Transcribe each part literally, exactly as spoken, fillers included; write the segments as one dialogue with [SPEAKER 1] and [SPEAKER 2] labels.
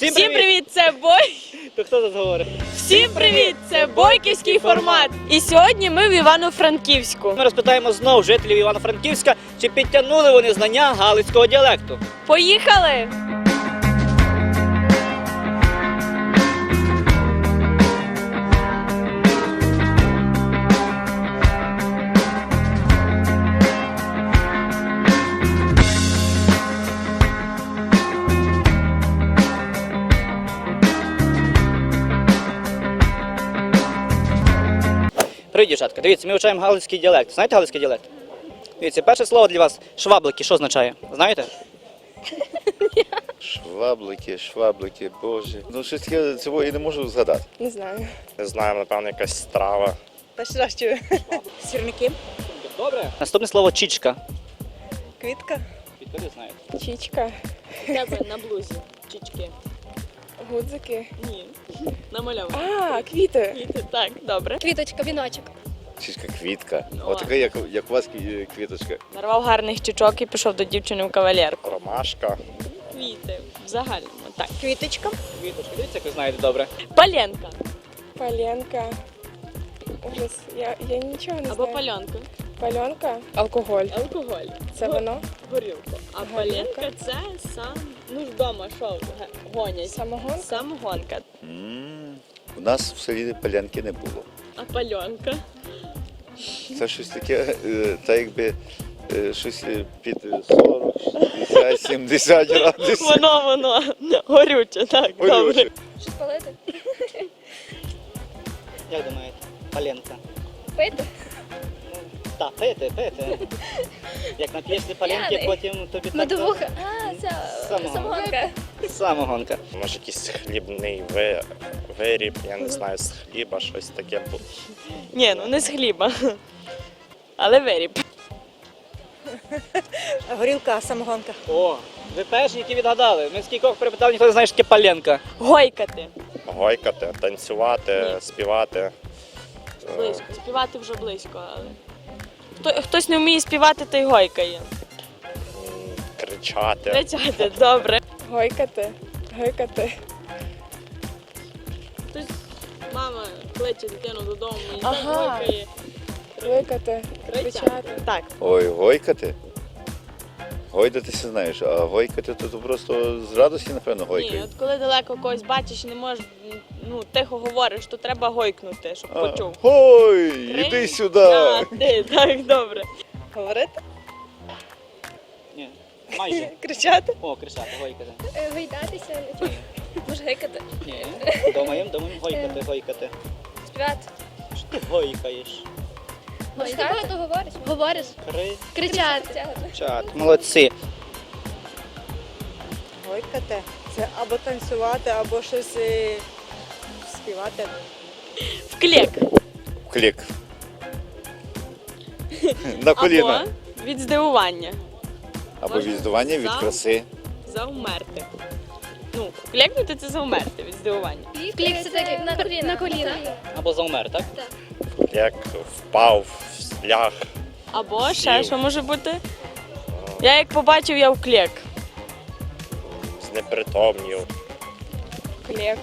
[SPEAKER 1] Всім привіт!
[SPEAKER 2] Всім привіт, це Бой.
[SPEAKER 1] То хто тут говорить?
[SPEAKER 2] Всім привіт, це Бойківський формат. І сьогодні ми в Івано-Франківську.
[SPEAKER 1] Ми розпитаємо знову жителів Івано-Франківська, чи підтягнули вони знання галицького діалекту.
[SPEAKER 2] Поїхали!
[SPEAKER 1] Привіт, дівчатка. Дивіться, ми вивчаємо галицький діалект. Знаєте галицький діалект? Дивіться, перше слово для вас – шваблики. Що означає? Знаєте?
[SPEAKER 3] Шваблики, шваблики, боже. Ну, щось таке цього і не можу згадати.
[SPEAKER 4] Не знаю.
[SPEAKER 5] Не знаю, напевно, якась страва.
[SPEAKER 4] Перший раз чую. Сірники.
[SPEAKER 1] Добре. Наступне слово – чічка.
[SPEAKER 4] Квітка.
[SPEAKER 1] Квітка, ви знаєте.
[SPEAKER 4] Чічка.
[SPEAKER 2] Тебе на блузі. Чічки.
[SPEAKER 4] Гудзики.
[SPEAKER 2] Ні. Намальовано.
[SPEAKER 4] А, квіти.
[SPEAKER 2] Квіти, так, добре.
[SPEAKER 6] Квіточка, віночок.
[SPEAKER 3] Чічка, квітка.
[SPEAKER 2] Ну,
[SPEAKER 3] Отака, як, як у вас кві- квіточка.
[SPEAKER 2] Нарвав гарних чічок і пішов до дівчини в кавалерку.
[SPEAKER 5] Ромашка.
[SPEAKER 2] Квіти. В загальному, так.
[SPEAKER 4] Квіточка.
[SPEAKER 1] Квіточка. Дивіться, як ви знаєте добре.
[SPEAKER 2] Паленка.
[SPEAKER 4] Паленка. Ужас. Я, я нічого не
[SPEAKER 2] Або
[SPEAKER 4] знаю.
[SPEAKER 2] пальонка.
[SPEAKER 4] Пальонка. Алкоголь.
[SPEAKER 2] Алкоголь.
[SPEAKER 4] Це вино.
[SPEAKER 2] Горілка. А
[SPEAKER 4] Горілка.
[SPEAKER 2] паленка це сам, ну ж вдома, що ге- гонять.
[SPEAKER 4] Самогонка.
[SPEAKER 2] Самогонка.
[SPEAKER 3] М, У нас в селі палянки не було.
[SPEAKER 2] А пальонка?
[SPEAKER 3] Це щось таке, е, та якби е, щось е, під сорок, шістдесят, сімдесят градусів.
[SPEAKER 2] Воно, воно. Горюче, так, добре.
[SPEAKER 3] Горюче.
[SPEAKER 6] Щось палити?
[SPEAKER 1] Як думаєте? Паленка.
[SPEAKER 6] Пити?
[SPEAKER 1] Так, пити, пити. Як нап'єшся паленки,
[SPEAKER 6] П'яний.
[SPEAKER 1] потім тобі так...
[SPEAKER 6] Медовуха. А, це
[SPEAKER 1] Самогонка.
[SPEAKER 6] самогонка.
[SPEAKER 1] Самогонка.
[SPEAKER 5] Може, якийсь хлібний ви- виріб, я не знаю, з хліба, щось таке. бу-
[SPEAKER 2] Ні, ну не з хліба. Але виріб.
[SPEAKER 4] Горілка, самогонка.
[SPEAKER 1] О, ви перші, які відгадали. Ми скількох перепитали, ніхто не знає, що таке паленка.
[SPEAKER 2] Гойкати.
[SPEAKER 5] Гойкати, танцювати,
[SPEAKER 2] Ні.
[SPEAKER 5] співати. Е,
[SPEAKER 2] Близько. Співати вже близько, але. Хто, хтось не вміє співати, той гойкає.
[SPEAKER 5] м, Кричати.
[SPEAKER 2] Кричати, добре.
[SPEAKER 4] Гойкати. Гойкати.
[SPEAKER 2] Хтось, мама кличе дитину додому і
[SPEAKER 4] Ага.
[SPEAKER 2] так гойкає.
[SPEAKER 4] Гойкати. Кричати.
[SPEAKER 2] Так.
[SPEAKER 3] Ой, гойкати. Гойдатися знаєш, а гойкати то, то просто з радості, напевно,
[SPEAKER 2] Ні,
[SPEAKER 3] гойкають.
[SPEAKER 2] от коли далеко когось бачиш і не можеш, ну, тихо говориш, то треба гойкнути, щоб
[SPEAKER 3] А,
[SPEAKER 2] почув.
[SPEAKER 3] Ой,
[SPEAKER 2] Три,
[SPEAKER 3] іди сюди.
[SPEAKER 2] А, ти, так, добре.
[SPEAKER 4] Говорити.
[SPEAKER 1] Ні, майже.
[SPEAKER 4] Кричати.
[SPEAKER 1] О, кричати, гойкати.
[SPEAKER 6] Е, Гойдатися, нічого. Може гикати.
[SPEAKER 1] Ні, думаємо, думаємо, гойкати, гойкати.
[SPEAKER 6] Співати.
[SPEAKER 1] Що ти гойкаєш?
[SPEAKER 6] Може, ти багато говориш? Говориш.
[SPEAKER 1] Кричати.
[SPEAKER 6] Кричати.
[SPEAKER 1] Молодці.
[SPEAKER 4] Гойкати. Це або танцювати, або щось е, співати.
[SPEAKER 2] Вклік.
[SPEAKER 3] Клік. На коліна.
[SPEAKER 2] Або від здивування.
[SPEAKER 3] Або
[SPEAKER 2] Можна
[SPEAKER 3] відздування від
[SPEAKER 2] за-
[SPEAKER 3] краси.
[SPEAKER 2] Завмерти. Ну, клікнути це завмерти від здивування.
[SPEAKER 6] Клік це так, як на коліна. На коліна.
[SPEAKER 1] Або завмер, так?
[SPEAKER 5] Як впав, ляг.
[SPEAKER 2] Або ще
[SPEAKER 5] Сів.
[SPEAKER 2] що може бути? Я як побачив, я вклік.
[SPEAKER 5] Знепритомнів.
[SPEAKER 4] Клек.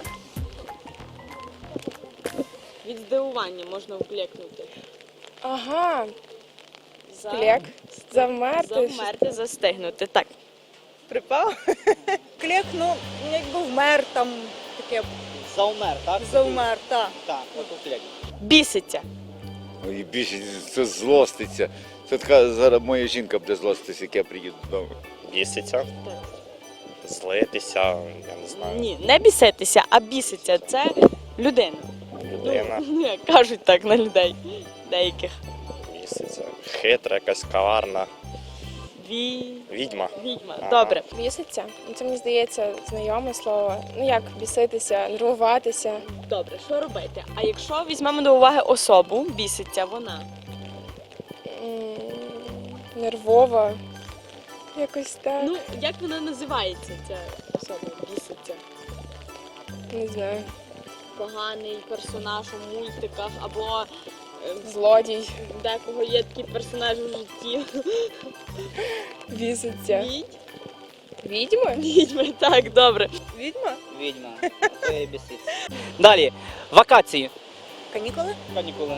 [SPEAKER 2] Від здивування можна вклікнути.
[SPEAKER 4] Ага.
[SPEAKER 2] За...
[SPEAKER 4] Клек. Завмерти.
[SPEAKER 2] Завмерти, застигнути. Так.
[SPEAKER 4] Припав. Клек, ну, якби вмер там, таке
[SPEAKER 1] Завмер, так?
[SPEAKER 4] завмер, так.
[SPEAKER 1] Так, от клік.
[SPEAKER 2] Біситься.
[SPEAKER 3] Ой, більше це злоститься. Це така зараз моя жінка буде злоститися, як я приїду додому.
[SPEAKER 5] Біситься, злитися, я не знаю,
[SPEAKER 2] Ні, не біситися, а біситься. Це людина.
[SPEAKER 5] людина
[SPEAKER 2] Ні, кажуть так на людей. Деяких.
[SPEAKER 5] біситься. Хитра, якась каварна.
[SPEAKER 2] Ві...
[SPEAKER 5] Відьма.
[SPEAKER 2] Відьма.
[SPEAKER 5] Ага.
[SPEAKER 2] Добре.
[SPEAKER 4] Біситься. Ну, це, мені здається, знайоме слово. Ну як біситися, нервуватися.
[SPEAKER 2] Добре, що робити? А якщо візьмемо до уваги особу, біситься вона.
[SPEAKER 4] М, Нервова. Якось так.
[SPEAKER 2] Ну, як вона називається, ця особа біситься?
[SPEAKER 4] Не знаю.
[SPEAKER 2] Поганий персонаж у мультиках або е,
[SPEAKER 4] Злодій.
[SPEAKER 2] декого є такі персонажі в житті.
[SPEAKER 4] Біситься.
[SPEAKER 2] Відь.
[SPEAKER 4] Відьми?
[SPEAKER 2] Відьми, так, добре.
[SPEAKER 7] Відьма?
[SPEAKER 1] Відьма. Це її бісить. Далі. Вакації.
[SPEAKER 7] Канікули?
[SPEAKER 1] Канікули.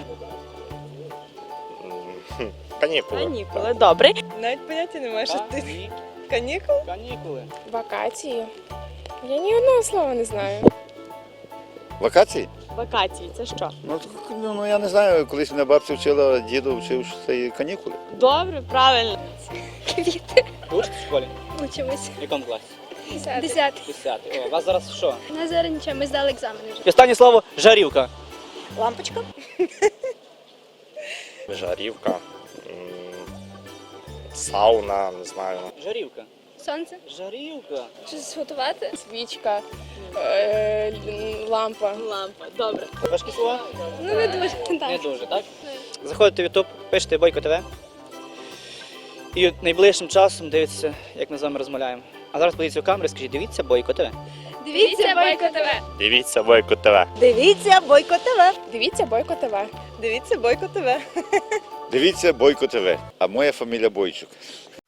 [SPEAKER 5] М, хм, Канікули.
[SPEAKER 2] Канікули, добре.
[SPEAKER 7] Навіть поняття немає, що ти.
[SPEAKER 1] Кані-
[SPEAKER 7] Канікул?
[SPEAKER 1] Канікули.
[SPEAKER 4] Вакації. Я ні одного слова не знаю.
[SPEAKER 3] Вакації?
[SPEAKER 2] Вакації, це що?
[SPEAKER 3] Ну, так, ну, ну я не знаю, колись мене бабця вчила, діду вчив, що це є канікули.
[SPEAKER 2] Добре, правильно.
[SPEAKER 6] Квіти.
[SPEAKER 1] Ви учитесь в школі?
[SPEAKER 6] Учимось.
[SPEAKER 1] В якому класі?
[SPEAKER 6] Десятий.
[SPEAKER 1] Десятий. О, у вас зараз що?
[SPEAKER 6] У нас зараз нічого, ми здали екзамени вже.
[SPEAKER 1] І останнє слово жарівка.
[SPEAKER 7] Лампочка?
[SPEAKER 5] Жарівка. м, Сауна, не знаю.
[SPEAKER 1] Жарівка.
[SPEAKER 6] Сонце.
[SPEAKER 1] Жарівка.
[SPEAKER 6] Щось готувати.
[SPEAKER 4] Свічка, е, л- лампа.
[SPEAKER 2] Лампа, добре.
[SPEAKER 1] Важкі слова?
[SPEAKER 6] Ну не дуже.
[SPEAKER 1] Не
[SPEAKER 6] Так.
[SPEAKER 1] дуже, так? Заходите в YouTube, пишете Бойко ТВ. І найближчим часом дивіться, як ми з вами розмовляємо. А зараз подивіться в камеру і скажіть, дивіться Бойко ТВ.
[SPEAKER 6] Дивіться Бойко ТВ.
[SPEAKER 5] Дивіться Бойко ТВ.
[SPEAKER 7] Дивіться Бойко ТВ.
[SPEAKER 4] Дивіться Бойко ТВ.
[SPEAKER 7] Дивіться Бойко ТВ.
[SPEAKER 3] Дивіться Бойко ТВ. А моя фамілія Бойчук.